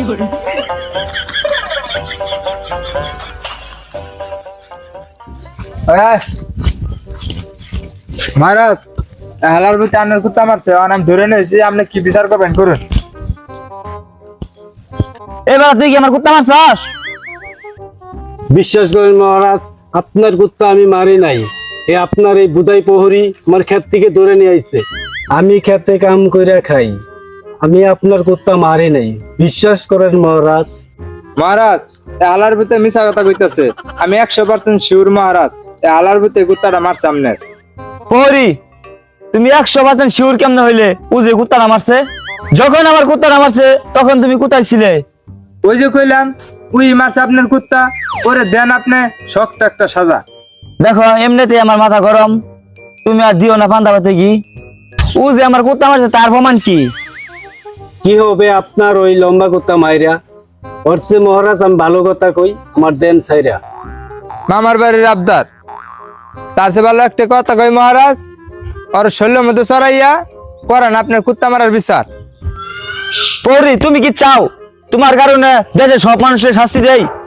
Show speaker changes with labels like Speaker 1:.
Speaker 1: মহারাজ হালার ভিতরে আনার কুত্তা মারছে আমি ধরে নিয়েছি, আপনি কি বিচার করবেন করুন।
Speaker 2: এবার তুই কি আমার কুত্তা মারছস?
Speaker 3: বিশ্বাস করেন মহারাজ, আপনার কুত্তা আমি মারি নাই। আপনার এই বুদাই প্রহরী আমার ক্ষেত থেকে ধরে নিয়ে আইছে। আমি ক্ষেতে কাম কইরা খাই, আমি আপনার কুত্তা মারি নাই। বিশ্বাস করেন মহারাজ।
Speaker 1: মহারাজ হালার ভিতরে মিশা কথা কইতাছে, আমি 100% শিওর মহারাজ হালার ভিতরে কুত্তাটা মারছে আপনার।
Speaker 2: প্রহরী, তুমি 100% শিওর কেমনে হইলে ও যে কুত্তাটা মারছে? যখন আমার কুত্তাটা মারছে তখন তুমি কোথায় ছিলে?
Speaker 1: ওই যে কইলাম ওই মারছে আপনার কুত্তা, ওরে দেন আপনি শক্ত একটা সাজা।
Speaker 2: দেখো এমনিতে আমার মাথা গরম, তুমি আর দিও না ফান্দা পাতে কি। ও যে আমার কুত্তা মারছে তার প্রমাণ কি?
Speaker 3: কি হবে আপনার ওই লম্বা কুত্তা মাইরা? অর্থে মহারাজ আমি ভালো কথা কই, আমার দেন ছাইরা।
Speaker 1: মামার বাড়ির আবদার, তার চেয়ে ভালো একটা কথা কই মহারাজ, ওর শরীরের মধ্যে চড়াইয়া করেন আপনার কুত্তা মারার বিচার।
Speaker 2: প্রহরী, তুমি কি চাও তোমার কারণে দেশে সব মানুষের শাস্তি দেয়?